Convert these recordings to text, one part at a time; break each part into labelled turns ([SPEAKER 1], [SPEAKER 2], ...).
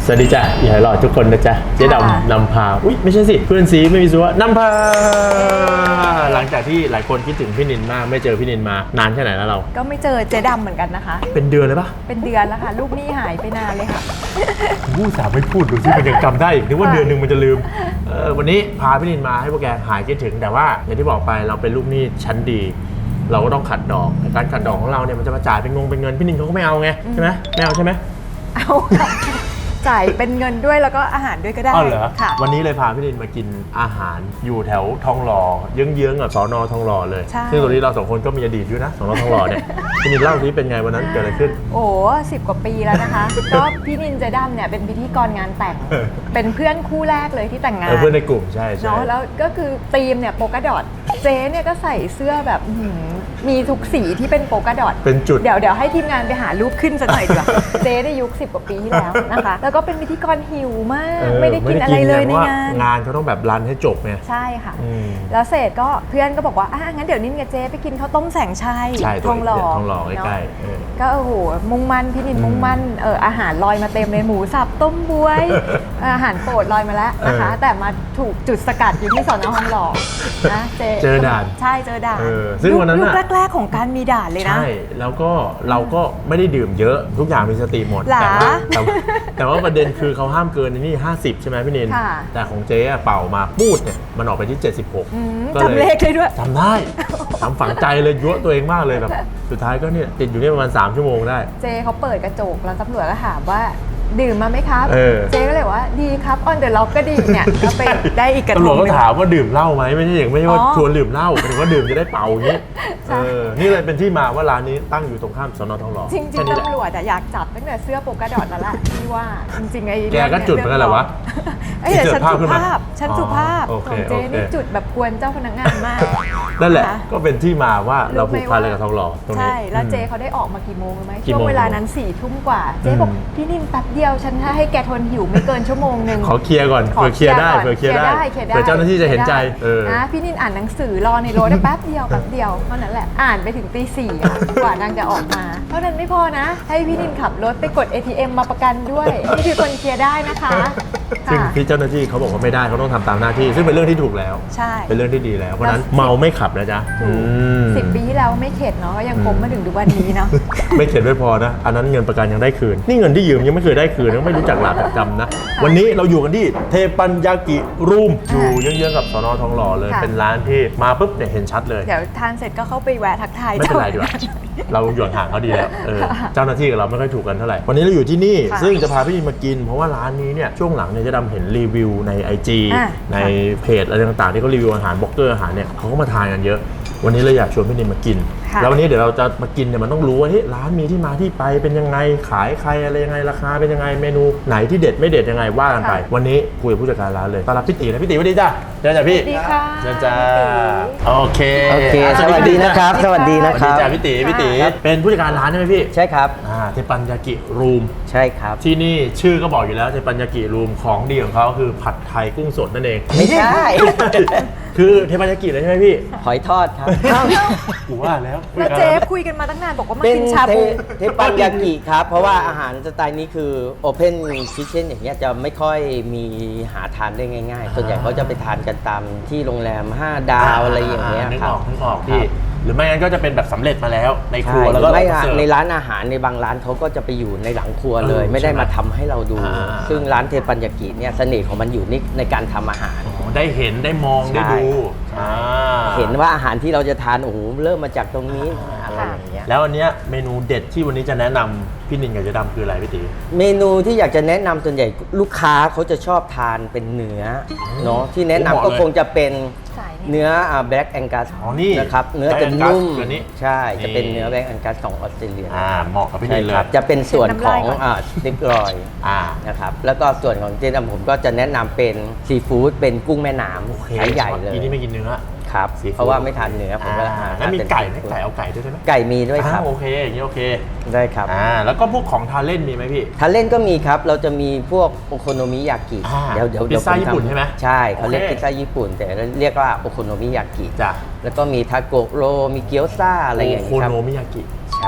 [SPEAKER 1] สวัสดีจ้ะอย่าให้หลอดทุกคนนะจ๊ะเจ๊ดำนำพาอุ๊ยไม่ใช่สิเพื่อนซีไม่มีซัวนำพาหลังจากที่หลายคนคิดถึงพี่นินมากไม่เจอพี่นินมานานแค่ไหนแล้วเรา
[SPEAKER 2] ก็ไม่เจอเจ๊ดำเหมือนกันนะคะ
[SPEAKER 1] เป็นเดือนเลยปะ
[SPEAKER 2] เป็นเดือนแล้วค่ะลูกหนี้หายไปนานเลยค่ะ
[SPEAKER 1] ผู้สาวไม่พูดดูสิมันยังจำได้อีกนึกว่าเดือนหนึ่งมันจะลืมวันนี้พาพี่นินมาให้พวกแกหายคิดถึงแต่ว่าอย่างที่บอกไปเราเป็นลูกหนี้ชั้นดีเราก็ต้องขัดดอกแต่การขัดดอกของเราเนี่ยมันจะมาจ่ายเป็นเป็นเงินพี่นินเขาก็ไม่เอาไงใช่ไหมไม่เอาใช่ไหม
[SPEAKER 2] เอาจ่ายเป็นเงินด้วยแล้วก็อาหารด้วยก็ได้
[SPEAKER 1] เหรอค่ะวันนี้เลยพาพี่นินมากินอาหารอยู่แถวทองหล่อเยื้องๆกับสน.ทองหล่อเลยซึ่งตรงนี้เราสองคนก็มีอดีตอยู่นะสน.ทองหล่อเนี่ยพี่นินเล่าสิเป็นไงวันนั้นเกิดอะไรขึ้น
[SPEAKER 2] โอ้10 กว่าปีแล้วนะคะก็พี่นินเจดํเนี่ยเป็นพิธีกรงานแต่งเป็นเพื่อนคู่แรกเลยที่แต่งงาน
[SPEAKER 1] เพื่อนในกลุ่มใช่
[SPEAKER 2] เนาะแล้วก็คือธีมเนี่ยโปกาดอทเจ๊เนี่ยก็ใส่เสื้อแบบมีทุกสีที่เป็นโปกาดอท
[SPEAKER 1] เป็นจุด
[SPEAKER 2] เดี๋ยวให้ทีมงานไปหารูปขึ้นสักหน่อยดีกว่าเจ๊ในยุค10 กว่าปีที่แล้วนะคะแล้วก็เป็นพิธีกรหิวมากไม่ได้กินอะไรเลยใน
[SPEAKER 1] งานเขาต้องแบบรันให้จบไง
[SPEAKER 2] ใช่ค่ะแล้วเสร็จก็เพื่อนก็บอกว่างั้นเดี๋ยวนินกับเจ๊ไปกินข้าวต้มแสงชัย
[SPEAKER 1] ทองหล่อใกล้
[SPEAKER 2] ๆก็โอ้โหมุ่งมั่นพี่นินมุ่งมั่นอาหารลอยมาเต็มเลยหมูสับต้มบวยอาหารโปรดลอยมาแล้วนะคะแต่มาถูกจุดสกัดอยู่ที่สน.ทองหล่อนะ
[SPEAKER 1] เจอด่าน
[SPEAKER 2] ใช่เจอด่าน
[SPEAKER 1] ซึ่งวันนั้น
[SPEAKER 2] ยุคแรกๆของการมีด่านเลยนะ
[SPEAKER 1] ใช่แล้วก็เราก็ไม่ได้ดื่มเยอะทุกอย่างมีสติหมดแต่ว่าประเด็นคือเขาห้ามเกินนี่50ใช่ไหมพี่นินแต่ของเจ๊เป่ามาปูดเนี่ยมันออกไปที่76
[SPEAKER 2] จำเลขเลยด้วย
[SPEAKER 1] จำได้จำฝังใจเลยยั่วตัวเองมากเลยแบบสุดท้ายก็เนี่ยติดอยู่นี่ประมาณ3 ชั่วโมงได้
[SPEAKER 2] เจ๊เขาเปิดกระจกแล้วตำรวจก็ถามว่าดื่มมาไหมครับเจ๊ก็เลยว่าดีครับออนเดอะล็อกก็ดีเนี่ยก็ไปได้อีกกระทง
[SPEAKER 1] ตำรวจก็ถามว่าดื่มเหล้าไหมไม่ใช่ว่าชวนดื่มเหล้าแต่ว่าดื่มจะได้เป่าอย่างนี้นี่เลยเป็นที่มาว่าร้านนี้ตั้งอยู่ตรงข้ามสน.ทองหล่อ
[SPEAKER 2] จริงๆตำรวจอยากจับตั้งแต่เสื้อโปกาดอทแล้วล่ะที่ว่าจริงๆไอ้
[SPEAKER 1] แกก็จุดเหมือนกันแหละวะ
[SPEAKER 2] แต่ฉันสุภาพของเจ๊นี่จุดแบบกวนเจ้าพนักงานมาก
[SPEAKER 1] นั่นแหละก็เป็นที่มาว่าเราผูกพันอะไรกับทองหล่อตรงนี้
[SPEAKER 2] ใช่แล้วเจ๊เขาได้ออกมากี่โมงรู้ไหมช่วงเวลานั้น4 ทุ่มกว่าเจ๊บอกพี่นินแป๊บเดียวฉันให้แกทนหิวไม่เกินชั่วโมงนึง
[SPEAKER 1] ขอเคลียร์ก่อนเผื่อเคลียร์ได้เผื่อเจ้าหน้าที่จะเห็นใจ
[SPEAKER 2] นะพี่นินอ่านหนังสือรอในรถได้แป๊บเดียวเท่านั้นแหละอ่านไปถึงตี 4กว่านางจะออกมาเท่านั้นไม่พอนะให้พี่นินขับรถไปกด ATM มาประกันด้วยนี่คือคนเคลียร์ได้นะคะ
[SPEAKER 1] ซึ่งที่เจ้าหน้าที่เขาบอกว่าไม่ได้เขาต้องทำตามหน้าที่ซึ่งเป็นเรื่องที่ถูกแล้ว
[SPEAKER 2] ใช่
[SPEAKER 1] เป็นเรื่องที่ดีแล้วเพราะนั้นเมาไม่ขับนะจ๊ะ
[SPEAKER 2] 10 ปีที่แล้วไม่เข็ดเนาะยังคงมาถึงทุกวันนี้เนาะ
[SPEAKER 1] ไม่เข็ดไม่พอนะอันนั้นเงินประกันยังได้คืนนี่เงินที่ยืมยังไม่เคยได้คืนยังไม่รู้จักหลักจำนะวันนี้เราอยู่กันที่เทปัญญากิรูมอยู่เยื้องๆกับสน.ทองหล่อเลยเป็นร้านที่มาปุ๊บเนี่ยเห็นชัดเลย
[SPEAKER 2] เดี๋ยวทานเสร็จก็เข้าไปแวะทักทาย
[SPEAKER 1] ไม่เป็นไรดีกว่าเราอยู่ห่างเขาดีแล้วเจ้าหน้าที่กับเราไม่ค่อยถูกกันเท่าไหร่วันนี้เราอยู่ที่นี่ซึ่งจะพาพี่มากินเพราะว่าร้านนี้เนี่ยช่วงหลังเนี่ยจะดำเห็นรีวิวใน IG ในเพจอะไรต่างๆที่เขารีวิวอาหารบล็อกเกอร์อาหารเนี่ยเขาก็มาทานกันเยอะวันนี้เราอยากชวนพี่นินมากินแล้ววันนี้เดี๋ยวเราจะมากินเนี่ยมันต้องรู้ว่าร้านมีที่มาที่ไปเป็นยังไงขายใครอะไรยังไงราคาเป็นยังไงเมนูไหนที่เด็ดไม่เด็ดยังไงว่ากันไปวันนี้คุยกับผู้จัดการร้านเลยต้อนรับพี่ตีนะพี่ตีสวัสดีจ้าเจอจ้าพี่
[SPEAKER 2] สวัสดีค่ะ
[SPEAKER 1] เจอจ้าโอเค
[SPEAKER 3] สวัสดีนะครับสวัสดีนะครับ
[SPEAKER 1] จ้าพี่ตีเป็นผู้จัดการร้านใช่ไหมพี่
[SPEAKER 3] ใช่ครับ
[SPEAKER 1] เทปัญญากิรูม
[SPEAKER 3] ใช่ครับ
[SPEAKER 1] ที่นี่ชื่อก็บอกอยู่แล้วเทปัญญากิรูมของดีของเขาคือผัดไทยกุ้งสดนั่นเอง
[SPEAKER 3] ไม่ใช่
[SPEAKER 1] คือเทปัญญากิเลยใช่ไหมพี่
[SPEAKER 3] หอยทอดครับ
[SPEAKER 1] กูว่าแล้ว
[SPEAKER 2] เจ๊คุยกันมาตั้งนานบอกว่ามากินชาบู
[SPEAKER 3] เทปัญญากิครับเพราะว่าอาหารสไตล์นี้คือ Open Kitchen อย่างเงี้ยจะไม่ค่อยมีหาทานได้ง่ายๆส่วนใหญ่เขาจะไปทานกันตามที่โรงแรม5 ดาวอะไรอย่างเงี้ย
[SPEAKER 1] ครับนึกออกพี่หรือไม่งั้นก็จะเป็นแบบสำเร็จมาแล้วในครัวแล้วก็
[SPEAKER 3] ในร้านอาหารในบางร้านเขาก็จะไปอยู่ในหลังครัวเลยไม่ได้มาทำให้เราดูซึ่งร้านเทปัญญากิเนี่ยเสน่ห์ของมันอยู่ในการทำอาหาร
[SPEAKER 1] ได้เห็นได้มองได้ดู
[SPEAKER 3] เห็นว่าอาหารที่เราจะทานโอ้โหเริ่มมาจากตรงนี้อะไรอย่างเงี้ย
[SPEAKER 1] แล้วอันเนี้ยเมนูเด็ดที่วันนี้จะแนะนำพี่นินกับเจ๊ดำคืออะไรพี่ตี
[SPEAKER 3] เมนูที่อยากจะแนะนำส่วนใหญ่ลูกค้าเขาจะชอบทานเป็นเนื้อเนาะที่แนะนำก็คงจะเป็นเนื้อBlack Angus นะครับเนื้อจะนุ่มใช่จะเป็นเนื้อBlack Angusของออสเตรเลีย
[SPEAKER 1] เหมาะกับพี่นินเลย
[SPEAKER 3] จะเป็นส่วนของสติ๊กรอยนะครับแล้วก็ส่วนของเจ๊ดำผมก็จะแนะนำเป็นซีฟู้ดเป็นกุ้งแม่น้ำไซส์ใหญ่เลย
[SPEAKER 1] ที่นี่ไม่กินเนื้อ
[SPEAKER 3] ครับเพราะว่าไม่ทานเนื้อผมก็
[SPEAKER 1] แล้วมีไก่ไหมไก่เอาไก่ด้วยใช่ไหม
[SPEAKER 3] ไก่มีด้วยครับ
[SPEAKER 1] โอเคอย่างนี้โอเค
[SPEAKER 3] ได้ครับ
[SPEAKER 1] แล้วก็พวกของทานเล่นมีไหมพี่
[SPEAKER 3] ทานเล่นก็มีครับเราจะมีพวกโอโคโนมิยากิ
[SPEAKER 1] เดี๋ยวพิซซ่าญี่ปุ่นใช่ไหม
[SPEAKER 3] ใช่เขาเรียกพิซซ่าญี่ปุ่นแต่เรียกว่าโอโคโนมิยากิ
[SPEAKER 1] จ้ะ
[SPEAKER 3] แล้วก็มีทาโกะโรมีเกี๊ยวซ่าอะไรอย่างเงี้ยครับ
[SPEAKER 1] โอโคโนมิยากิ
[SPEAKER 3] ใช่
[SPEAKER 1] ไอ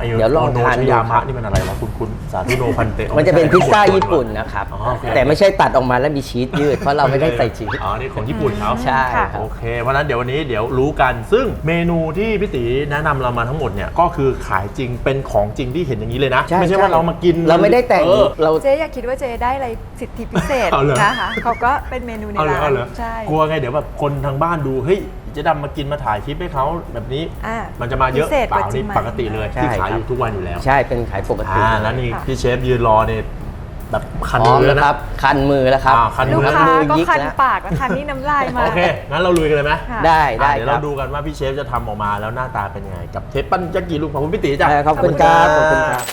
[SPEAKER 3] เดี๋ยวลองทาน
[SPEAKER 1] โนชยามะนี่มันอะไรวะคุณสาธุโนพันเต
[SPEAKER 3] มันจะเป็นพิซซ่าญี่ปุ่นนะครับ
[SPEAKER 1] อ๋อโอเค
[SPEAKER 3] แต่ไม่ใช่ตัดออกมาแล้วมีชีสยืด เพราะเราไม่ได้ใส่ชีส
[SPEAKER 1] อ๋อนี่ของญี่ปุ่นเขา
[SPEAKER 3] ใช่
[SPEAKER 2] ค่ะ
[SPEAKER 3] ครับ
[SPEAKER 1] โอเคเพราะฉะนั้นเดี๋ยววันนี้เดี๋ยวรู้กันซึ่งเมนูที่พี่ตีแนะนำเรามาทั้งหมดเนี่ยก็คือขายจริงเป็นของจริงที่เห็นอย่างนี้เลยนะ
[SPEAKER 3] ใช่
[SPEAKER 1] ไม่ใช่ว่าเรามากิน
[SPEAKER 3] เราไม่ได้แต่ง
[SPEAKER 1] เออ
[SPEAKER 3] เรา
[SPEAKER 2] เจ๊อย่าคิดว่าเจ๊ได้อะไรสิทธิพิเศษ
[SPEAKER 1] เอาเหรอ
[SPEAKER 2] นะคะเขาก็เป็นเมนูใน
[SPEAKER 1] เอาเลย
[SPEAKER 2] ร้า
[SPEAKER 1] เอา
[SPEAKER 2] น
[SPEAKER 1] เลย
[SPEAKER 2] ใช่
[SPEAKER 1] กลัวไงเดี๋ยวแบบคนทางบ้านดูเฮ้ยเจะดำมากินมาถ่ายคลิปให้เขาแบบนี้
[SPEAKER 2] อ่า
[SPEAKER 1] มันจะมาเยอะ
[SPEAKER 2] พิเศษ
[SPEAKER 1] เปล่าก
[SPEAKER 2] ว่าจริ
[SPEAKER 1] นี่
[SPEAKER 2] งไหม
[SPEAKER 1] ปกติเลย
[SPEAKER 3] ใช่
[SPEAKER 1] ที่ขาย
[SPEAKER 3] ค
[SPEAKER 1] อ
[SPEAKER 3] รับ
[SPEAKER 1] ยู่ทุกวันอยู่แล้ว
[SPEAKER 3] ใช่เป็นขายปกติ
[SPEAKER 1] แล้วนี่
[SPEAKER 2] ค่ะ
[SPEAKER 1] พี่เชฟยืนรอเนี่ยแบบคัน
[SPEAKER 3] พร้อม
[SPEAKER 1] มือ
[SPEAKER 3] แล้ว
[SPEAKER 1] นะ
[SPEAKER 3] ครับ คันมือแล้วครับ
[SPEAKER 1] คัน
[SPEAKER 2] ลู
[SPEAKER 1] มื
[SPEAKER 2] ก
[SPEAKER 1] อ
[SPEAKER 2] ค้า
[SPEAKER 3] มือ
[SPEAKER 2] ก็
[SPEAKER 3] ยิก
[SPEAKER 2] คัน
[SPEAKER 3] แล้ว
[SPEAKER 2] ปากและคันนี่น้ำลายมา
[SPEAKER 1] โอเคงั้นเราลุยกันเลยไหม
[SPEAKER 2] ค่ะ
[SPEAKER 3] ได้ได้
[SPEAKER 1] เดี๋ยว
[SPEAKER 3] ครั
[SPEAKER 1] เรา
[SPEAKER 3] บ
[SPEAKER 1] ดูกันว่าพี่เชฟจะทำออกมาแล้วหน้าตาเป็นยังไงกับเทปปั้นจักรีลูกของคุณพี่ตีจ้ะ
[SPEAKER 3] ขอบคุณครับขอบคุณครับ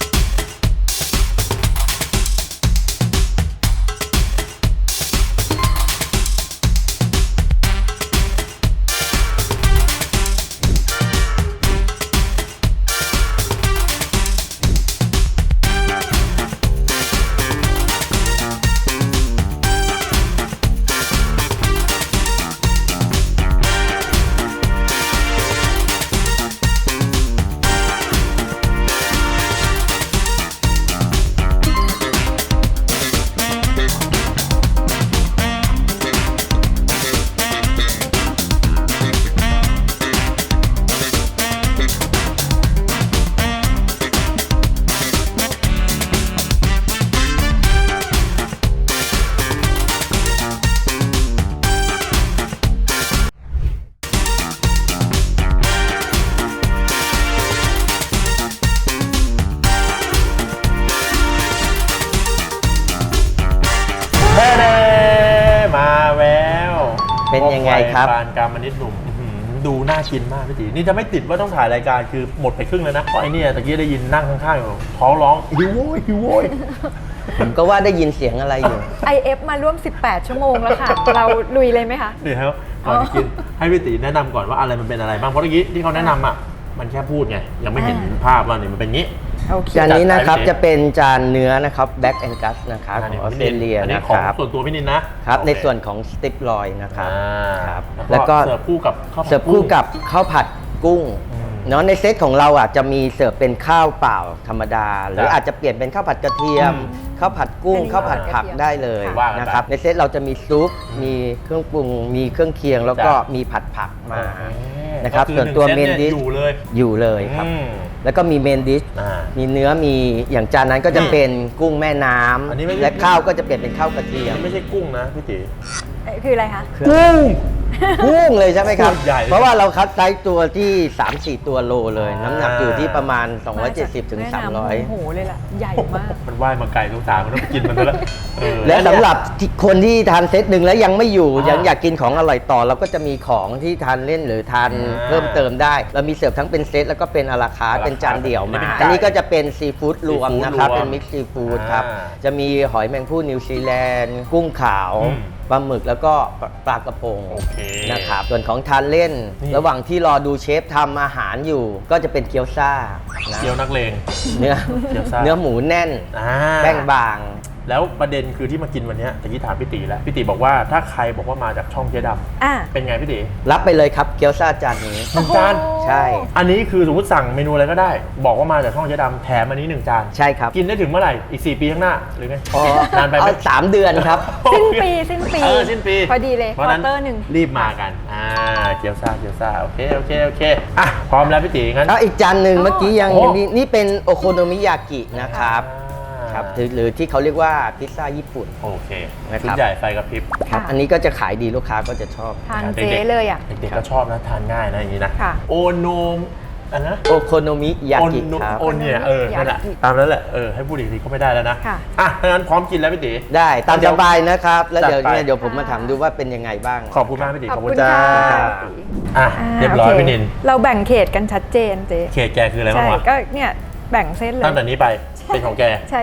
[SPEAKER 1] เด้มาแล้ว
[SPEAKER 3] เป็นยังไงครับ
[SPEAKER 1] ปานกามนิดหนุ่มอื้อหือดูน่ากินมากพี่ตีนี่จะไม่ติดว่าต้องถ่ายรายการคือหมดไปครึ่งเลยนะเพราะไอ้เนี่ยตะกี้ได้ยินนั่งข้างๆอยู่ท้องร้องหิวโว้ยหิวโว้ย
[SPEAKER 3] ผมก็ว่าได้ยินเสียงอะไรอยู่
[SPEAKER 2] IF มาร่วม 18 ชั่วโมงแล้วค่ะ เราลุยเลยไหมคะ
[SPEAKER 1] นี่ครับก่อนจะกินให้พี่ตีแนะนำก่อนว่าอะไรมันเป็นอะไรบ้างเพราะเมื่อกี้ที่เขาแนะนำอ่ะมันแค่พูดไงยังไม่เห็นภาพว่านี่มันเป็นงี้
[SPEAKER 2] โอเค
[SPEAKER 3] จานนี้นะครับ
[SPEAKER 1] จัดไป
[SPEAKER 3] จะเป็นจานเนื้อนะครับ Black Angus นะครับของออสเตรเลีย
[SPEAKER 1] อันนี้
[SPEAKER 3] นะ
[SPEAKER 1] ของ
[SPEAKER 3] ครับ
[SPEAKER 1] ส่วนตัวพี่นินนะครับ โอเค
[SPEAKER 3] ในส่วนของสติปลอยนะครับ ครับ
[SPEAKER 1] แล้
[SPEAKER 3] แล้ว ว
[SPEAKER 1] ก็
[SPEAKER 3] ก็
[SPEAKER 1] เสิร์ฟคู่กับข้าวผัด
[SPEAKER 3] เสิร์ฟคู่กับข้าวผัดกุ้ง
[SPEAKER 1] อืม
[SPEAKER 3] เนาะในเซตของเราอ่ะจะมีเสิร์ฟเป็นข้าวเปล่าธรรมดา หรือ
[SPEAKER 1] ครับ
[SPEAKER 3] อาจจะเปลี่ยนเป็นข้าวผัดกระเทียม
[SPEAKER 1] อืม
[SPEAKER 3] ข้าวผัดกุ้ง
[SPEAKER 2] อันนี้
[SPEAKER 3] ข้าวผัดผัก
[SPEAKER 2] กระเทียม
[SPEAKER 3] ได้เลย
[SPEAKER 1] ว่ากันไป
[SPEAKER 3] นะครับในเซตเราจะมีซุปมีเครื่องปรุงมีเครื่องเคียง แล้วก็
[SPEAKER 1] จ้ะ
[SPEAKER 3] มีผัดผักมา
[SPEAKER 1] โอเ
[SPEAKER 3] นะครับ
[SPEAKER 1] ก็คือ
[SPEAKER 3] ส่วนตัว
[SPEAKER 1] ห
[SPEAKER 3] เม
[SPEAKER 1] ง
[SPEAKER 3] น
[SPEAKER 1] ซต
[SPEAKER 3] ดิช
[SPEAKER 1] อยู่เลย
[SPEAKER 3] อยู่เลยครับ
[SPEAKER 1] อืม
[SPEAKER 3] แล้วก็มีเมนดิช
[SPEAKER 1] อ่า
[SPEAKER 3] มีเนื้อมีอย่างจานนั้นก็จะเป็นกุ้งแม่น้
[SPEAKER 1] อันนี้ไม่
[SPEAKER 3] ำ
[SPEAKER 1] ใช่
[SPEAKER 3] และข้าวก็จะเปลี่ยนเป็นข้าวกระเทียม
[SPEAKER 1] ไม่ใช่กุ้งนะพี่ตี
[SPEAKER 2] คืออะไรคะ
[SPEAKER 3] กุ้งกุ้งเลยใช่ไหมครับ
[SPEAKER 1] ใหญ่เลย
[SPEAKER 3] เพราะว่าเราคัดไซส์ตัวที่ 3-4 ตัวโลเลย น้ำหนักอยู่ที่ประมาณ 270ถึง
[SPEAKER 2] แม่น้ำ
[SPEAKER 3] 300
[SPEAKER 2] โอ้โหเลยล่ะ ใหญ่มาก
[SPEAKER 1] มันว่ายมาไกลลูกตามันต้องไปกินมันซะแล้วเออ
[SPEAKER 3] และสำหรับคนที่ทานเซตหนึ่งแล้วยังไม่อยู่
[SPEAKER 1] อ่ายั
[SPEAKER 3] ยังอยากกินของอร่อยต่อ เราก็จะมีของที่ทานเล่นหรือทาน
[SPEAKER 1] อ่า
[SPEAKER 3] เพิ่มเติมได้ เรามีเสิร์ฟทั้งเป็นเซตแล้วก็เป็นอาราคาร์ท
[SPEAKER 1] à la
[SPEAKER 3] เป็นจานเดี่ยวมา
[SPEAKER 1] เป็นไก่
[SPEAKER 3] อันนี้ก็จะเป็นซีฟู้ดรวม
[SPEAKER 1] ซีฟู้ด
[SPEAKER 3] นะครับ
[SPEAKER 1] รวม
[SPEAKER 3] เป็นมิกซ์ซีฟู้ดครับ
[SPEAKER 1] อ่า
[SPEAKER 3] จะมีหอยแมงผู้นิวซีแลนด์กุ้งขาว
[SPEAKER 1] อืม
[SPEAKER 3] ปลาหมึกแล้วก็ปลากระพง
[SPEAKER 1] โอเค
[SPEAKER 3] นะครับส่วนของทานเล่น
[SPEAKER 1] นี่
[SPEAKER 3] ระหว่างที่รอดูเชฟทำอาหารอยู่ ก็จะเป็นเกี๊ยวซ่านะ
[SPEAKER 1] เกี๊ยวนักเลง
[SPEAKER 3] เนื้อ
[SPEAKER 1] เกี๊ยวซ่า
[SPEAKER 3] เนื้อหมูแน่น
[SPEAKER 1] อ่า
[SPEAKER 3] แป้งบาง
[SPEAKER 1] แล้วประเด็นคือที่มากินวันเนี้ยตะกี้ถามพี่ตีแล้วพี่ตีบอกว่าถ้าใครบอกว่ามาจากช่องเจ๊ด
[SPEAKER 2] อ่ะ
[SPEAKER 1] ำเป็นไงพี่ตี
[SPEAKER 3] รับไปเลยครับเกี๊ยวซ่าจานนี้
[SPEAKER 1] หนึ่งจาน
[SPEAKER 3] ใช่
[SPEAKER 1] อันนี้คือสมมติสั่งเมนูอะไรก็ได้ บอกว่ามาจากช่องเจ๊ดำแถมอันนี้1 จาน
[SPEAKER 3] ใช่ครับ
[SPEAKER 1] กินได้ถึงเมื่อไหร่อีก 4 ปีข้างหน้าหรือไง
[SPEAKER 3] อ๋อน
[SPEAKER 1] านไปไหม
[SPEAKER 3] เอา3 เดือนครับ
[SPEAKER 2] สิ้นปีสิ้นปี
[SPEAKER 1] เออสิ้นปี
[SPEAKER 2] พอดีเลย
[SPEAKER 1] เพราะฉะนั้น
[SPEAKER 2] ควอเตอร์หนึ่ง
[SPEAKER 1] รีบมากันเกี๊ยวซ่าโอเคอ่ะพร้อมแล้วพี่ตีงั้น
[SPEAKER 3] แล้วอีกจานหนึ่ง
[SPEAKER 2] อ๋อ
[SPEAKER 3] เมื่อกี้ยัง
[SPEAKER 1] โอ้
[SPEAKER 3] นี่เป็นโอโคโนมิยากินะครับ ครับหรือที่เขาเรียกว่าพิซซ่าญี่ปุ่น
[SPEAKER 1] โอเค
[SPEAKER 3] นะครับ
[SPEAKER 1] ชุดใหญ่ไฟกระพริบ
[SPEAKER 3] ครับอันนี้ก็จะขายดีลูกค้าก็จะชอบ
[SPEAKER 2] ทานเจ๊เลยอ่ะ
[SPEAKER 1] เด็กๆก็ชอบนะทานง่ายนะอย่างนี้นะ
[SPEAKER 2] ค่ะ
[SPEAKER 1] โอโนมอันนะ
[SPEAKER 3] โอโคโนมิยากิครับ
[SPEAKER 1] โอนเนี่ยนั่นแหละ
[SPEAKER 2] ยากิ
[SPEAKER 1] ตามนั้นแหละให้พูดอีกทีก็ไม่ได้แล้วนะ
[SPEAKER 2] ค่ะ
[SPEAKER 1] อ่ะถ้างั้นพร้อมกินแล้วพี่ตี
[SPEAKER 3] ได้ตาม
[SPEAKER 1] เดี๋
[SPEAKER 3] ส
[SPEAKER 1] ยว
[SPEAKER 3] บายนะครับ แล้วเดี๋ยว
[SPEAKER 1] จัดไป
[SPEAKER 3] เนี่ยเดี๋ยวผมมาถามดูว่าเป็นยังไงบ้าง
[SPEAKER 1] ขอบคุณมากพี่ตี
[SPEAKER 2] ขอบคุณ
[SPEAKER 1] จ้า
[SPEAKER 2] ค่ะ
[SPEAKER 1] อ่ะเรียบร้อย
[SPEAKER 2] โค
[SPEAKER 1] พี่นิน
[SPEAKER 2] เราแบ่งเขตกันชัดเจนเจ๊
[SPEAKER 1] เขตแกคืออะไรบ้า
[SPEAKER 2] ใช่
[SPEAKER 1] งวะ
[SPEAKER 2] ก็เนี่ยแบ่งเส้นเลย
[SPEAKER 1] ตั้งแต่นี้ไปเป็นของแก
[SPEAKER 2] ใช่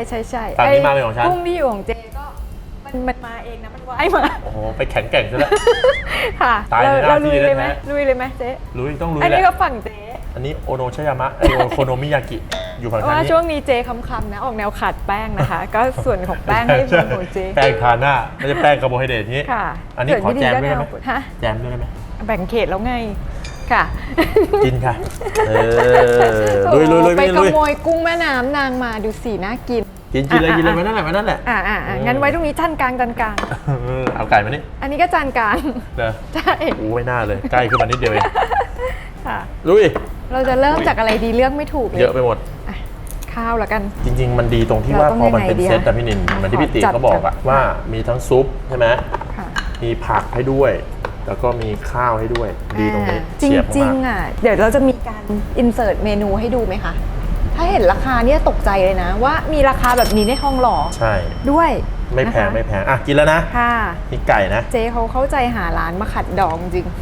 [SPEAKER 1] ฝั่งนี้มาเป็นของฉัน
[SPEAKER 2] กุ้งที่อยู่ของเจ๊ก็มันมาเองนะมันว่ายมา
[SPEAKER 1] โอ้โหไปแข็งแกร่งซะแล้ว
[SPEAKER 2] ค่ะ
[SPEAKER 1] ตายในหน้า
[SPEAKER 2] เรา
[SPEAKER 1] ที่
[SPEAKER 2] ลุยเลยไหม
[SPEAKER 1] แท้ๆ
[SPEAKER 2] ลุยเลยไหมเจ๊
[SPEAKER 1] ลุยต้องลุย
[SPEAKER 2] อัน
[SPEAKER 1] แห
[SPEAKER 2] นี้
[SPEAKER 1] ละ
[SPEAKER 2] ก็ฝั่งเจ๊
[SPEAKER 1] อันนี้โอโนชยามะโอโคโนมิยากิอยู่ฝั่ง
[SPEAKER 2] ว่า
[SPEAKER 1] นี้
[SPEAKER 2] ช่วงนี้เจ๊คำๆนะออกแนวขาดแป้งนะคะ ก็ส่วนของแป้งให้เป็นของเจ๊
[SPEAKER 1] แป้งทาหน้าไม่ใช่แป้งคาร์โบไฮเดรตนี้
[SPEAKER 2] ค่ะ
[SPEAKER 1] อันนี้ขอแจมด้วยได้ไหม
[SPEAKER 2] ฮะ
[SPEAKER 1] แจมด้วยได้ไหม
[SPEAKER 2] แบ่งเขตแล้วไงค่ะ
[SPEAKER 1] กินค่ะลุย
[SPEAKER 2] ไปข
[SPEAKER 1] ลุย
[SPEAKER 2] โมยกุ้งแม่น้ำนางมาดูสิน่ากิน
[SPEAKER 1] กินเลยไว้นั่นแหละไว้นั่นแหละ
[SPEAKER 2] งั้นไว้ตรงนี้จานกลางจานกลาง
[SPEAKER 1] เอาไก่มานี่
[SPEAKER 2] อันนี้ก็จานกลาง
[SPEAKER 1] เด้อ
[SPEAKER 2] ใช่
[SPEAKER 1] ไม่น่าเลยใกล้ขึ้นมานิดเดียวเอง
[SPEAKER 2] ค่ะ
[SPEAKER 1] ลุย
[SPEAKER 2] เราจะเริ่มจากอะไรดีเลือกไม่ถูกเลย
[SPEAKER 1] เยอะไปหมด
[SPEAKER 2] อ่ะข้าวละกัน
[SPEAKER 1] จริงๆ มันดีตรงที่ว่า
[SPEAKER 2] เราต้อง
[SPEAKER 1] พอมันเป็น
[SPEAKER 2] ยังไงดี
[SPEAKER 1] เซต
[SPEAKER 2] อะ
[SPEAKER 1] แต่พี่นินเหมือนที่พี่ติ
[SPEAKER 2] ขอจัด
[SPEAKER 1] เขาบอกอะว่ามีทั้งซุปใช่ไหม
[SPEAKER 2] ค่ะ
[SPEAKER 1] มีผักให้ด้วย แล้วก็มีข้าวให้ด้วย ดีตรงนี้
[SPEAKER 2] จริ
[SPEAKER 1] เฉียบ
[SPEAKER 2] ง
[SPEAKER 1] มาก
[SPEAKER 2] ๆอ่ะเดี๋ยวเราจะมีการอินเสิร์ตเมนูให้ดูไหมคะ ถ้าเห็นราคาเนี่ยตกใจเลยนะ ว่ามีราคาแบบนี้ในทองหล่อ
[SPEAKER 1] ใช่
[SPEAKER 2] ด้วย
[SPEAKER 1] ไม่แพง
[SPEAKER 2] นะคะ
[SPEAKER 1] ไม่แพงอ่ะกินแล้วนะ
[SPEAKER 2] ค่ะ
[SPEAKER 1] มีไก่นะ
[SPEAKER 2] เจ๊เขาเข้าใจหาร้านมาขัดดองจริง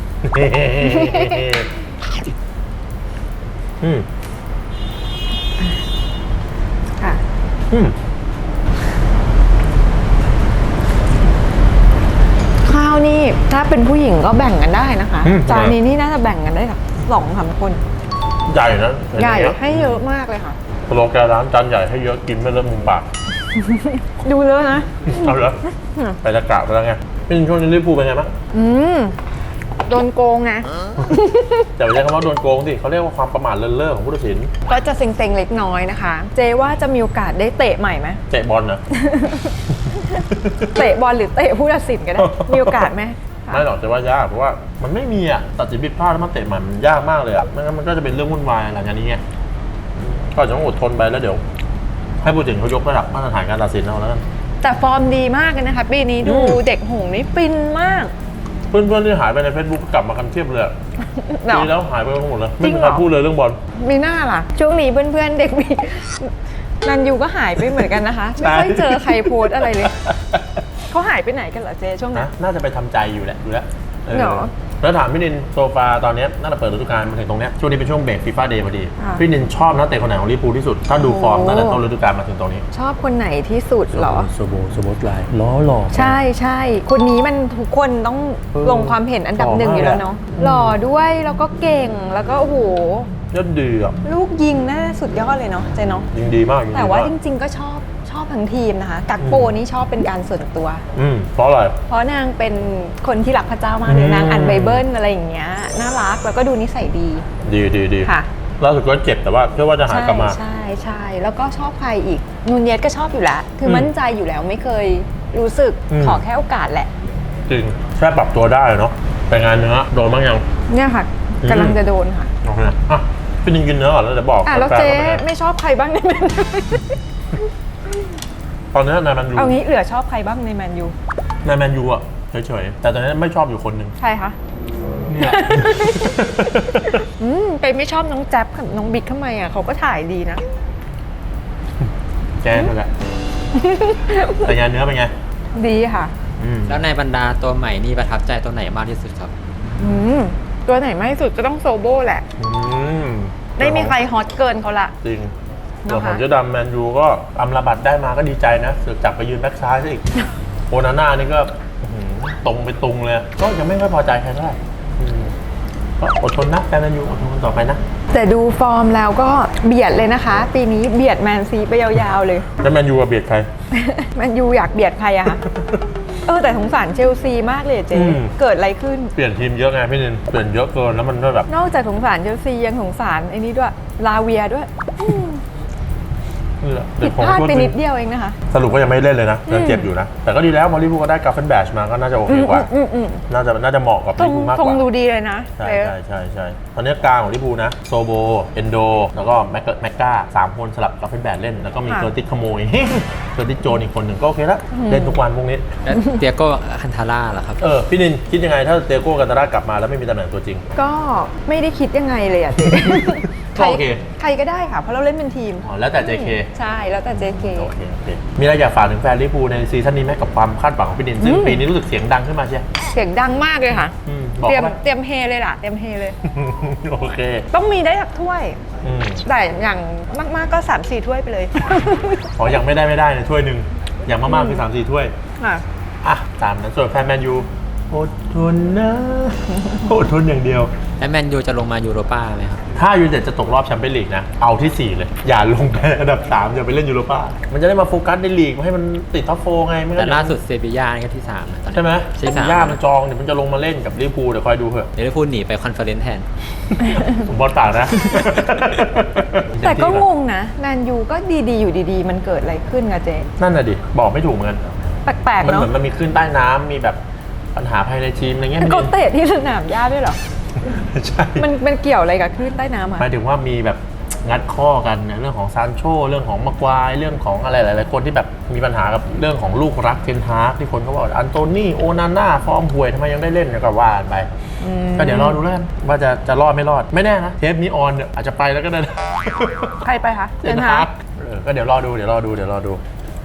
[SPEAKER 1] อืม
[SPEAKER 2] ค่ะ
[SPEAKER 1] อืม
[SPEAKER 2] ข้าวนี่ถ้าเป็นผู้หญิงก็แบ่งกันได้นะคะ
[SPEAKER 1] อืม
[SPEAKER 2] จานนี้นี่น่าจะแบ่งกันได้แบบ2-3 คน
[SPEAKER 1] ใหญ่นะ
[SPEAKER 2] ใหญ่
[SPEAKER 1] เนอย่างเงี้ย
[SPEAKER 2] ให้เยอะมากเลยค่ะ
[SPEAKER 1] สโลแกนร้านจานใหญ่ให้เยอะกินไม่เริ่มมุมปาก
[SPEAKER 2] ดูเลอะนะ
[SPEAKER 1] เอาเหรอไปตะกะไปแล้วไงพี่นินช่วงนี้ลิเวอร์พูลเป็นไงบ้าง
[SPEAKER 2] โดนโกงไง
[SPEAKER 1] แต่ไม่ใช่คำว่าโดนโกงสิเขาเรียกว่าความประมาทเลินเล่อของผู้ตัดสิน
[SPEAKER 2] ก็จะเซ็งๆเล็กน้อยนะคะ เจว่าจะมีโอกาสได้เตะใหม่ไหม
[SPEAKER 1] เตะบอลนะ
[SPEAKER 2] เตะบอลหรือเตะผู้ตัดสินก็ได้ มีโอกาสไหม
[SPEAKER 1] ไม่หรอกแต่ว่ายากเพราะว่ามันไม่มีอ่ะตัดสินผิดพลาดแล้วมันเตะมันยากมากเลยอ่ะไม่งั้นมันก็จะเป็นเรื่องวุ่นวายหลังจากนี้ไงก็จะต้องอดทนไปแล้วเดี๋ยว ให้ผู้ตัดสินเขายกระดับมาตรฐานการตัดสินเอาแล้วกัน
[SPEAKER 2] แต่ฟอร์มดีมากเลยนะคะปีนี้ดูเด็กหงส์นี่ฟินมาก
[SPEAKER 1] เพื่อนๆที่หายไปใน Facebook กลับมากันเทียบเลยอะ
[SPEAKER 2] เหรอ
[SPEAKER 1] ปีแล้วหายไปหมดเลย
[SPEAKER 2] จ
[SPEAKER 1] ไม่
[SPEAKER 2] ริง
[SPEAKER 1] มี
[SPEAKER 2] เหร
[SPEAKER 1] ใคร
[SPEAKER 2] อ
[SPEAKER 1] พูดเลยเรื่องบอล
[SPEAKER 2] มีหน้าล่ะ ช่วงนี้เพื่อนๆเด็กมีนันยูก็หายไปเหมือนกันนะคะ ไม่ค่อยเจอใครโพสต์อะไรเลย เขาหายไปไหนกันเหรอเจช่วงนั้
[SPEAKER 1] นะ
[SPEAKER 2] น
[SPEAKER 1] น่าจะไปทำใจอยู่แหละดูแล้วเออ
[SPEAKER 2] เหรอ
[SPEAKER 1] แล้วถามพี่นินโซฟาตอนเนี้ยน่าจะเปิดฤดูกาลมาถึงตรงเนี้ยช่วงนี้เป็นช่วงเบรกฟีฟ่าเดย์พอดี
[SPEAKER 2] ค่ะ
[SPEAKER 1] พี่นินชอบนักเตะคนไหนของลิเวอร์พูลที่สุด ถ้าดูฟอร์ม
[SPEAKER 2] โอ้
[SPEAKER 1] ตั้งแต่ต้นฤดูกาลมาถึงตรงนี้
[SPEAKER 2] ชอบคนไหนที่สุดเหรอ
[SPEAKER 1] โซโบสไลน์ล้อหล่อ
[SPEAKER 2] ใช่ใช่คนนี้มันทุกคนต้องลงความเห็นอันดับ
[SPEAKER 1] หล่อ
[SPEAKER 2] 1อยู่แล้ว
[SPEAKER 1] มาก
[SPEAKER 2] เนาะหล่อด้วยแล้วก็เก่งแล้วก็โอ้โห
[SPEAKER 1] ยอดดีอ่ะ
[SPEAKER 2] ลูกยิงน่าสุดยอดเลยเนาะเจเนาะ
[SPEAKER 1] ยิงดีมากยิงดี
[SPEAKER 2] แต่ว่า
[SPEAKER 1] มา
[SPEAKER 2] จ
[SPEAKER 1] ก
[SPEAKER 2] ริงๆก็ชอบทั้งทีมนะคะ กักโปนี่ชอบเป็นการส่วนตัว
[SPEAKER 1] เพราะอะไร
[SPEAKER 2] เพราะนางเป็นคนที่รักพระเจ้ามากเลยนางอ่านไบเบิลอะไรอย่างเงี้ยน่ารักแล้วก็ดูนิสัยดี
[SPEAKER 1] ดี
[SPEAKER 2] ค่ะ
[SPEAKER 1] ล่าสุดก็เจ็บแต่ว่าเชื่อว่าจะหายกลับมา
[SPEAKER 2] ใช่แล้วก็ชอบใครอีกนูนเยสก็ชอบอยู่แล้วคือมั่นใจอยู่แล้วไม่เคยรู้สึกขอแค่โอกาสแหละ
[SPEAKER 1] จริงแค่ปรับตัวได้เนาะไปงานเนื้อโดนบ้างยัง
[SPEAKER 2] เนี่ยค่ะกำลังจะโดนค่ะ
[SPEAKER 1] โอเคอ่ะพี่นินกินเนื้อก่อนแล้วเดี๋ยวบอก
[SPEAKER 2] แล้ว
[SPEAKER 1] ฟนๆ
[SPEAKER 2] เจ๊
[SPEAKER 1] ว่าเป็นไง
[SPEAKER 2] ไม่ชอบใครบ้างในแมนยู
[SPEAKER 1] ตอนนี้นายแมนยู
[SPEAKER 2] เอางี้เหลือชอบใครบ้างในแมนยู
[SPEAKER 1] นายแมนยูอ่ะเฉยๆแต่ตอนนี้ไม่ชอบอยู่คนหนึ่ง
[SPEAKER 2] ใครคะ
[SPEAKER 1] นี่แหละ
[SPEAKER 2] ไปไม่ชอบน้องแจ๊บกับน้องบิ๊กทำไมอ่ะเขาก็ถ่ายดีนะ
[SPEAKER 1] แกนั่นแหละแต่งานเนื้อเป็นไง
[SPEAKER 2] ดีค่ะ
[SPEAKER 4] แล้วในบรรดาตัวใหม่นี่ประทับใจตัวไหนมากที่สุดครับ
[SPEAKER 2] ตัวไหนมากที่สุดก็ต้องโซโบแหละ ไม่มีใครฮอตเกินเขาละ
[SPEAKER 1] จริง
[SPEAKER 2] นะคะ
[SPEAKER 1] ส่วนของเจ๊ดำแมนยูก็อำลาบัตได้มาก็ดีใจนะเสือกจับไปยืนแบ็คซ้ายซะอีก โอนาน่านี่ก็ตรงไปตรงเลย ก็ยังไม่ค่อยพอใจใครเท่าไหร่ก็อดทนนะแฟนแมนยูอดทนกันต่อไปนะ
[SPEAKER 2] แต่ดูฟอร์มแล้วก็เบียดเลยนะคะ ปีนี้เบียดแมนซีไปยาวๆเลย
[SPEAKER 1] แล้วแมนยูเบียดใคร
[SPEAKER 2] แมนยูอยากเบียดใครอะคะ แต่สงสารเชลซีมากเลยอะเจ๊
[SPEAKER 1] อืม
[SPEAKER 2] เกิดอะไรขึ้น
[SPEAKER 1] เปลี่ยนทีมเยอะไงพี่นินเปลี่ยนเยอะเกินแล้วมันก็แบบ
[SPEAKER 2] นอกจากสงสารเชลซียังสงสารไอ้นี้ด้วยลาเวียด้วย ผิดพลาดไปนิดเดียวเองนะคะ
[SPEAKER 1] สรุปก็ยังไม่เล่นเลยนะยังเจ็บอยู่นะ แต่ก็ดีแล้วพอลิเวอร์พูลก็ได้กาเฟนแบชมาก็น่าจะโอเคกว่า น่าจะเหมาะกับ
[SPEAKER 2] ท
[SPEAKER 1] ลิ
[SPEAKER 2] ง
[SPEAKER 1] เวอร์พูลมาก
[SPEAKER 2] ท
[SPEAKER 1] ก
[SPEAKER 2] ง
[SPEAKER 1] ว่า
[SPEAKER 2] ดูดีเลยนะ
[SPEAKER 1] ใช่ตอนนี้กลางของลิเวอร์พูลนะโซโบเอนโดแล้วก็แม็กก้า3 คนสลับกาเฟนแบชเล่นแล้วก็มีเกอร์ติสขโมย เกอร์ติสโจนอีกคนหนึ่งก็โอเคแล้วเล่นทุกวันพวกนี้
[SPEAKER 4] แล้วเตียโก้คันทาร่าล่ะครับ
[SPEAKER 1] พี่นินคิดยังไงถ้าเตโก้กันตารากลับมาแล้วไม่มีตำแหน่งตัวจริง
[SPEAKER 2] ก็ไม่ได้คิดยังไงเลยอะเจ๊
[SPEAKER 1] ก็โอเค
[SPEAKER 2] ใครก็ได้ค่ะเพราะเราเล่นเป็นทีม
[SPEAKER 1] อ๋อแล้วแต่ JK
[SPEAKER 2] ใช่แล้วแต่ JK
[SPEAKER 1] โอเคมีอะไรอยากฝากถึงแฟนลิเวอร์พูลในซีซั่นนี้ไหมกับความคาดหวังของพี่นินซึ่งปีนี้รู้สึกเสียงดังขึ้นมาใช่ไหม
[SPEAKER 2] เสียงดังมากเลยค่ะ
[SPEAKER 1] บอก
[SPEAKER 2] เตรียม
[SPEAKER 1] เขาไป
[SPEAKER 2] เตรียมเฮเลยล่ะเตรียมเฮเลย
[SPEAKER 1] โอเค
[SPEAKER 2] ต้องมีได้สักถ้วย
[SPEAKER 1] อืม
[SPEAKER 2] แต่อย่างมากๆก็ 3-4 ถ้วยไปเลย
[SPEAKER 1] ขออย่างไม่ได้นะถ้วยหนึ่งอย่างมากๆคือ3-4 ถ้วย
[SPEAKER 2] ค่ะ
[SPEAKER 1] อ่ะตามนั้นส่วนแฟนแมนยูอดทนนะ อดทนอย่างเดียว
[SPEAKER 4] และแมนยูจะลงมายูโรป้าไหมครับ
[SPEAKER 1] ถ้ายูไนเต็ดจะตกรอบแชมเปี้ยนลีกนะเอาที่ 4 เลย อย่าลงไปอันดับ 3 อย่าไปเล่นยูโรป้ามันจะได้มาโฟกัสในลีกให้มันติดท็อปโฟไงไม่งั้
[SPEAKER 4] แต่
[SPEAKER 1] น
[SPEAKER 4] ล่าสุดเซบีย่านี่ก็ที่3นะตอนนี้
[SPEAKER 1] ใช่ไหม
[SPEAKER 4] ที่
[SPEAKER 1] เซบีย่ามันจองเดี๋ยวมันจะลงมาเล่นกับลิเวอร์พูลเดี๋ยวคอยดูเถอะ
[SPEAKER 4] เดี๋ยวได้พูดหนีไปคอนเฟอเรนซ์แทน
[SPEAKER 1] ผมบอลปากนะ
[SPEAKER 2] แต่ก็งงนะแมนยูก็ดีๆอยู่ดีๆ มันเกิดอะไรขึ้นอะเจ๊
[SPEAKER 1] นั่นน่ะดิบอกไม่ถูกเหมือนกัน
[SPEAKER 2] แปลกๆ
[SPEAKER 1] มัน
[SPEAKER 2] เนาะ
[SPEAKER 1] เหมือนมันมีขึ้นใต้น้ำมีแบบปัญหาภายในทีมอะไรเงี้ย
[SPEAKER 2] เขาเตะที่สนามหญ้าด้วยเหรอ
[SPEAKER 1] ใช่
[SPEAKER 2] มันเกี่ยวอะไรกับคลื่นใต้น้ำอะ
[SPEAKER 1] หมายถึงว่ามีแบบงัดข้อกันในเรื่องของซานโชเรื่องของมากวายเรื่องของอะไรหลายๆคนที่แบบมีปัญหากับเรื่องของลูกรักเทนฮากที่คนเขาบอกอันโตนี่โอนาน่าฟอร์มห่วยทำไมยังได้เล่นเนี่ยก็ว่ากันไปก็เดี๋ยวรอดูแล้วกันว่าจะรอดไม่รอดไม่แน่นะเทปนี้ออนเนี่ยอาจจะไปแล้วก็ได้นะ
[SPEAKER 2] ใครไปคะ
[SPEAKER 1] เทนฮากก็เดี๋ยวรอดูเดี๋ยวรอดู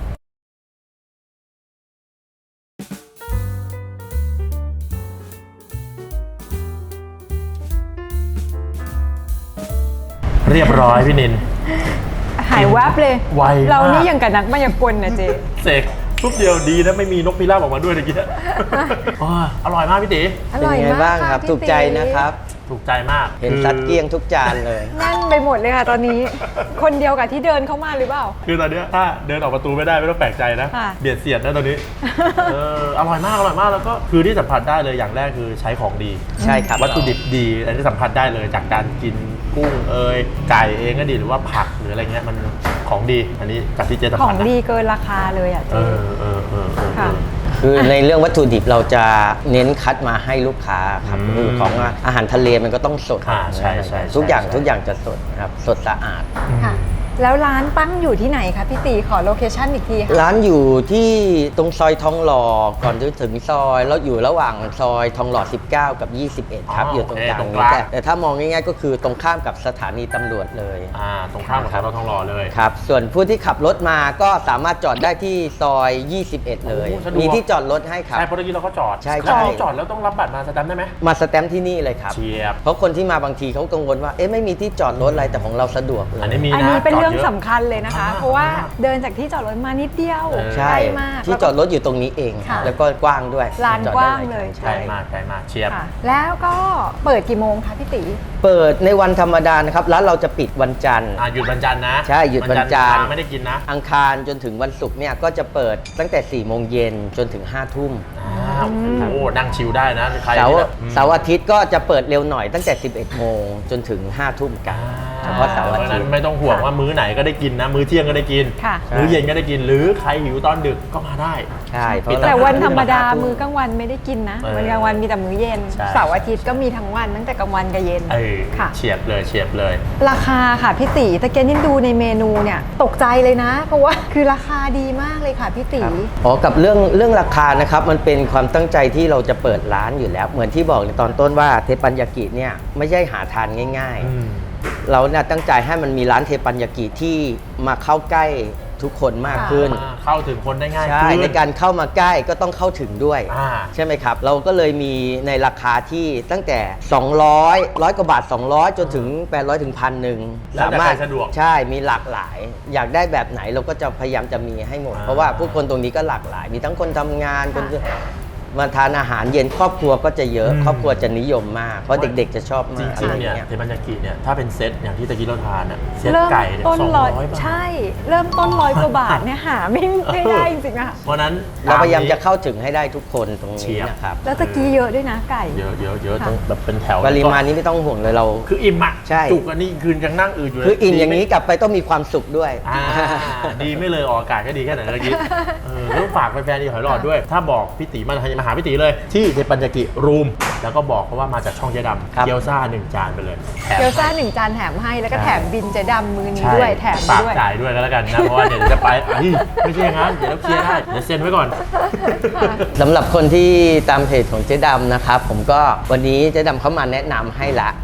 [SPEAKER 1] เรียบร้อยพี่นิน
[SPEAKER 2] หายแวบเลย
[SPEAKER 1] ไวมาก
[SPEAKER 2] เรานี่ยังกับนักมายากลนะเจ๊
[SPEAKER 1] เสกปุ๊บเดียวดีนะไม่มีนกพิราบออกมาด้วยเมื่อกี้อ๋ออร่อยมากพี่ตี
[SPEAKER 2] อ
[SPEAKER 3] เป็น
[SPEAKER 2] ร่อย
[SPEAKER 3] ไง
[SPEAKER 2] มาก
[SPEAKER 3] บ้างครับ
[SPEAKER 2] ะพี่
[SPEAKER 3] ถูกใจ
[SPEAKER 2] ตี
[SPEAKER 3] นะครับ
[SPEAKER 1] ถูกใจมาก
[SPEAKER 3] เห็นซัดเกลี้ยงทุกจานเลย
[SPEAKER 2] แน่นไปหมดเลยค่ะตอนนี้ คนเดียวกับที่เดินเข้ามาหรือเปล่า
[SPEAKER 1] คือตอนเนี้ยถ้าเดินออกประตูไม่ได้ไม่ต้องแปลกใจนะ
[SPEAKER 2] ค่ะ
[SPEAKER 1] เบียดเสียดนะตอนนี้อร่อยมากแล้วก็คือที่สัมผัสได้เลยอย่างแรกคือใช้ของดี
[SPEAKER 3] ใช่ครับ
[SPEAKER 1] วัตถุดิบดีอันที่สัมผัสได้เลยจากการกินกุ้งไก่เองก็ดีหรือว่าผักหรืออะไรเงี้ยมันของดีอันนี้จากที่เจสัม
[SPEAKER 2] ขอ
[SPEAKER 1] ผั
[SPEAKER 2] ง
[SPEAKER 1] สนะ
[SPEAKER 2] ดีเกินราคาเลยอ่ะ
[SPEAKER 1] เอ
[SPEAKER 2] เจ๊
[SPEAKER 1] อ
[SPEAKER 3] คือในเรื่องวัตถุดิบเราจะเน้นคัดมาให้ลูกค้าครับ
[SPEAKER 1] อืม
[SPEAKER 3] คือของอาหารทะเลมันก็ต้องสด
[SPEAKER 1] ใช่ใช่
[SPEAKER 3] ทุกอย่าง
[SPEAKER 1] ใช่
[SPEAKER 3] ทุกอย่างจะสดครับสดสะอาด
[SPEAKER 2] ค่ะ แล้วร้านตั้งอยู่ที่ไหนคะพี่ตีขอโลเคชั่นอีกทีค่ะ
[SPEAKER 3] ร้านอยู่ที่ตรงซอยทองหล่อก่อนจะถึงซอยแล้วอยู่ระหว่างซอยทองหล่อ 19 กับ 21 ครับ อยู่ตรงกลาง
[SPEAKER 1] ตรงก
[SPEAKER 3] นี้
[SPEAKER 1] ลาง
[SPEAKER 3] แต่ถ้ามองง่ายๆก็คือตรงข้ามกับสถานีตำรวจเลย
[SPEAKER 1] ตรงข้ามกับสอนอทองหล่อเลย
[SPEAKER 3] ครับ ส่วนผู้ที่ขับรถมาก็สามารถจอดได้ที่ซอย 21 เลย
[SPEAKER 1] โอ้สะดวก
[SPEAKER 3] มีที่จอดรถให้ครับ
[SPEAKER 1] ใช่เพราะเมื่อกี้เราก็จอด
[SPEAKER 3] ใช่
[SPEAKER 1] ถ้าเรา
[SPEAKER 3] ใช่
[SPEAKER 1] จอดแล้วต้องรับบัตรมาสแตมป์ได้ไหม
[SPEAKER 3] มาสแตมป์ที่นี่เลยครับ
[SPEAKER 1] เชียบ
[SPEAKER 3] เพราะคนที่มาบางทีเขากังวลว่า เอ๊ะไม่มีที่จอดรถอะไรแต่ของเราสะดวกเลย
[SPEAKER 1] อันนี้มี
[SPEAKER 2] อัน
[SPEAKER 1] นะ
[SPEAKER 2] นี้เป็น
[SPEAKER 1] จด
[SPEAKER 2] เรื่อง
[SPEAKER 1] ยะ
[SPEAKER 2] สำคัญเลยนะคะ เพราะว่าเดินจากที่จอดรถมานิดเดียว
[SPEAKER 3] ใช่
[SPEAKER 2] ใกล้มาก
[SPEAKER 3] ที่จอดรถอยู่ตรงนี้เอง
[SPEAKER 2] ค่ะ
[SPEAKER 3] แล้วก็กว้างด้วย
[SPEAKER 2] ลาน
[SPEAKER 3] จอด
[SPEAKER 2] ก
[SPEAKER 3] ได้
[SPEAKER 2] ว้าง
[SPEAKER 3] ห
[SPEAKER 2] เลย
[SPEAKER 3] ใช่
[SPEAKER 1] ใกล้มากเชียบ
[SPEAKER 2] ค่ะ แล้วก็เปิดกี่โมงคะพี่ตี
[SPEAKER 3] เปิดในวันธรรมดานะครับร้านเราจะปิดวันจันทร์
[SPEAKER 1] หยุดวันจันทร์นะ
[SPEAKER 3] ใช่หยุดวันจันทร์
[SPEAKER 1] ไม่ได้กินนะ
[SPEAKER 3] อังคารจนถึงวันศุกร์เนี่ยก็จะเปิดตั้งแต่ 4 โมงเย็นจนถึง 5 ทุ่ม
[SPEAKER 1] โอ้โหนั่งชิลได้นะใคร
[SPEAKER 3] เสา
[SPEAKER 1] ที่
[SPEAKER 3] ร์
[SPEAKER 1] แบบ
[SPEAKER 3] เสาร์อาทิตย์ก็จะเปิดเร็วหน่อยตั้งแต่ 11 โมงจนถึง 5 ทุ่มกันเฉพาะเสาร์อา
[SPEAKER 1] เพราะฉะ
[SPEAKER 3] ทิ
[SPEAKER 1] นั้
[SPEAKER 3] ต
[SPEAKER 1] น
[SPEAKER 3] ย์
[SPEAKER 1] ไม่ต้องห่วงว่ามื้อไหนก็ได้กินนะ มื้อเที่ยงก็ได้กิน
[SPEAKER 2] ค่ะ
[SPEAKER 1] มื้อเย็นก็ได้กิน หรือใครหิวตอนดึกก็มาได้
[SPEAKER 3] ใช่เพราะ
[SPEAKER 2] แต่
[SPEAKER 3] เรา
[SPEAKER 2] วันธรรมดามื้อกลางวันไม่ได้กินนะ
[SPEAKER 1] เออ
[SPEAKER 2] วันกลางวันมีแต่มื้อเย็น
[SPEAKER 1] ใช่
[SPEAKER 2] เสาร์อาทิตย์ก็มีทั้งวันตั้งแต่กลางวันกับเย็น ค่ะ
[SPEAKER 1] เฉียบเลย
[SPEAKER 2] ราคาค่ะพี่ตีตะเกียนยิ่งดูในเมนูเนี่ยตกใจเลยนะ เพราะว่าคือราคาดีมากเลยค่ะพี่ตี
[SPEAKER 3] ครับอ๋อกับเรื่องราคานะครับมันเป็นความตั้งใจที่เราจะเปิดร้านอยู่แล้ว เหมือนที่บอกในตอนต้นว่าเทปัญญากิเนี่ยไม่ใช่หาทานง่าย ๆ เราเนี่ยตั้งใจให้มันมีร้านเทปัญญากิที่มาเข้าใกล้ทุกคนมากขึ้น
[SPEAKER 1] เข้าถึงคนได้ง่าย
[SPEAKER 3] ใช่
[SPEAKER 1] ขึ้น
[SPEAKER 3] ในการเข้ามาใกล้ก็ต้องเข้าถึงด้วย ใช่ไหมครับ เราก็เลยมีในราคาที่ตั้งแต่ 100 กว่าบาท 200 จนถึง 800 ถึง 1,000
[SPEAKER 1] แล้วแต่ใครสะดวก
[SPEAKER 3] ใช่มีหลากหลาย อยากได้แบบไหนเราก็จะพยายามจะมีให้หมด เพราะว่าผู้คนตรงนี้ก็หลากหลาย มีทั้งคนทำงานคนมาทานอาหารเย็นครอบครัวก็จะเยอะ ครอบครัวจะนิยมมาก เพราะเด็กๆจะชอบ
[SPEAKER 1] จ
[SPEAKER 3] มาก
[SPEAKER 1] ริงๆ
[SPEAKER 3] อะไร
[SPEAKER 1] เนี่ย
[SPEAKER 3] เงี้ย
[SPEAKER 1] เทปัญญากิเนี่ยถ้าเป็นเซตอย่างที่ตะกี้เราทานอ่ะเซต
[SPEAKER 2] เริ่ม
[SPEAKER 1] ไก่เนี่ย
[SPEAKER 2] ต้นร้อย
[SPEAKER 1] 200 บาท
[SPEAKER 2] ใช่ เริ่มต้น100 กว่าบาทเนี่ยหาไม่ได้จริงๆอะ
[SPEAKER 1] เพราะฉะนั้น
[SPEAKER 3] เราพยายามจะเข้าถึงให้ได้ทุกคนตรง
[SPEAKER 1] เชี
[SPEAKER 3] นี้
[SPEAKER 1] ยร์
[SPEAKER 3] นะครับ
[SPEAKER 2] แล้วตะกี้เยอะด้วยนะไก่
[SPEAKER 1] เยอะ
[SPEAKER 2] ค่ะ
[SPEAKER 1] ต้องแบบเป็นแถว
[SPEAKER 3] ปริมาณนี้ไม่ต้องห่วงเลยเรา
[SPEAKER 1] คืออิ่มอ่ะ
[SPEAKER 3] ใช่
[SPEAKER 1] จุกอันนี้คืนยังนั่งอืดอยู่เลย
[SPEAKER 3] คืออิ่มอย่างนี้กลับไปต้องมีความสุขด้วย
[SPEAKER 1] ดีไม่เลยออกอากาศก็ดีแค่ไหนเมื่อกี้ต้องฝากแฟนๆอีหอยหลอดด้วย ถ้าบอกพี่ตีมาหาพี่ตีเลยที่เทปัญญากิรูมแล้วก็บอกเขาว่ามาจากช่องเจ๊ดำ
[SPEAKER 3] ครับ
[SPEAKER 1] เกี๊ยวซ่า1 จานไปเลยแถม
[SPEAKER 2] เกี๊ยวซ่า1 จานแถมให้แล้วก็แถมบินเจดำมือนี้
[SPEAKER 1] ใช่
[SPEAKER 2] ด้วยแถม
[SPEAKER 1] ฝาก
[SPEAKER 2] ด้วย
[SPEAKER 1] จ่ายด้วยก็แล้วกันนะ เพราะว่าเดี๋ยวจะไปไม่ใช่อย่างนั้นเดี๋ยวเราเคลียร์ได้เดี๋ยวเซ็นไว้ก่อน
[SPEAKER 3] สำหรับคนที่ตามเพจของเจ๊ดำนะครับ ผมก็วันนี้เจ๊ดำเขามาแนะนำให้ละ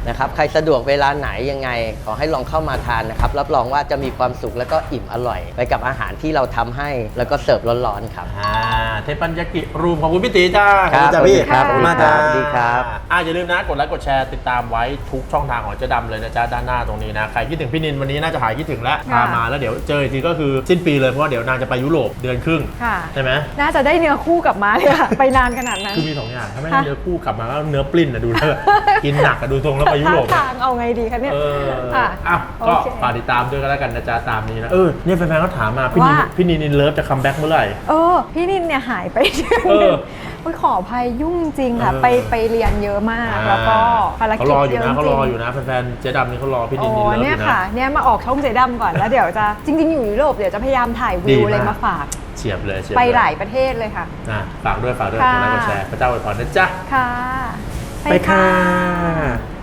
[SPEAKER 3] นะครับใครสะดวกเวลาไหนยังไงขอให้ลองเข้ามาทานนะครับรับรองว่าจะมีความสุขแล้วก็อิ่มอร่อย ไปกับอาหารที่เราทำให้แล้วก็เสิร์ฟร้อนๆครับ
[SPEAKER 1] เทปัญญากิรูมของคุณพี่ตีจ้า
[SPEAKER 3] ครับ
[SPEAKER 1] จ้าพี่
[SPEAKER 3] ครับ
[SPEAKER 1] ขอบคุณมากจ้า
[SPEAKER 3] สวัสดีครับ
[SPEAKER 1] อย่าลืมนะกดไลค์กดแชร์ติดตามไว้ทุกช่องทางของเจ๊ดำเลยนะจ๊ะด้านหน้าตรงนี้นะใครคิดถึงพี่นินวันนี้น่าจะหายคิดถึงแล้วพามาแล้วเดี๋ยวเจออีกทีก็คือสิ้นปีเลยเพราะว่าเดี๋ยวนางจะไปยุโรปเดือนครึ่ง
[SPEAKER 2] ค่ะ
[SPEAKER 1] ใช่ไหม
[SPEAKER 2] น่าจะได้เนื้อคู่กลับมาเลยค่ะไปนานขนาดนั้น
[SPEAKER 1] คือมี2อย่างถ้าไม่ได้เนื้อคู่กลับมาก็เนื้อปลิ้นนะดูแล้วกินหนักอะดูทรงแล้วไปยุโรป
[SPEAKER 2] ทางเอาไงดีคะเนี่ย ค่ะ
[SPEAKER 1] ก็
[SPEAKER 2] โอเค
[SPEAKER 1] ฝากติดตามด้วยกันแล้วกันนะจ๊ะตามนี้นะเนี่ยแฟนๆเขาถามมาพี่นิน
[SPEAKER 2] ว่า
[SPEAKER 1] พี่นินอินเลิฟจะคัมแบ็กเมื่อไหร่
[SPEAKER 2] พี่นินเนี่ยหายไปเดือน
[SPEAKER 1] เอ
[SPEAKER 2] หนึ
[SPEAKER 1] อง
[SPEAKER 2] โอ้ยขออภัยยุ่งจริงค่ะ
[SPEAKER 1] เออ
[SPEAKER 2] ไปเรียนเยอะมาก แล้วก็ภาร
[SPEAKER 1] เขา
[SPEAKER 2] กิจ
[SPEAKER 1] รออ
[SPEAKER 2] เย
[SPEAKER 1] ยู่
[SPEAKER 2] อะ
[SPEAKER 1] นะ
[SPEAKER 2] จ
[SPEAKER 1] เขา
[SPEAKER 2] ริ
[SPEAKER 1] รง ออยู่นะแฟนๆเจ๊ดำนี่เขารอพี่นินอิน
[SPEAKER 2] โอ้
[SPEAKER 1] เลิฟอ
[SPEAKER 2] เนี่ย
[SPEAKER 1] ยู่นะ
[SPEAKER 2] ค่ะเนี่ยมาออกช่องเจดำก่อนแล้วเดี๋ยวจะจริง ๆ อยู่ยุโรปเดี๋ยวจะพยายามถ่าย
[SPEAKER 1] ดี
[SPEAKER 2] วิว
[SPEAKER 1] มาก
[SPEAKER 2] อะไรมาฝาก
[SPEAKER 1] เฉียบเลย
[SPEAKER 2] ไปหลายประเทศเลยค่ะ
[SPEAKER 1] ฝากด้วยกดไลค์กดแชร์พระเจ้าอวยพรนะจ๊ะ
[SPEAKER 2] ค่ะ
[SPEAKER 1] ไปค่ะ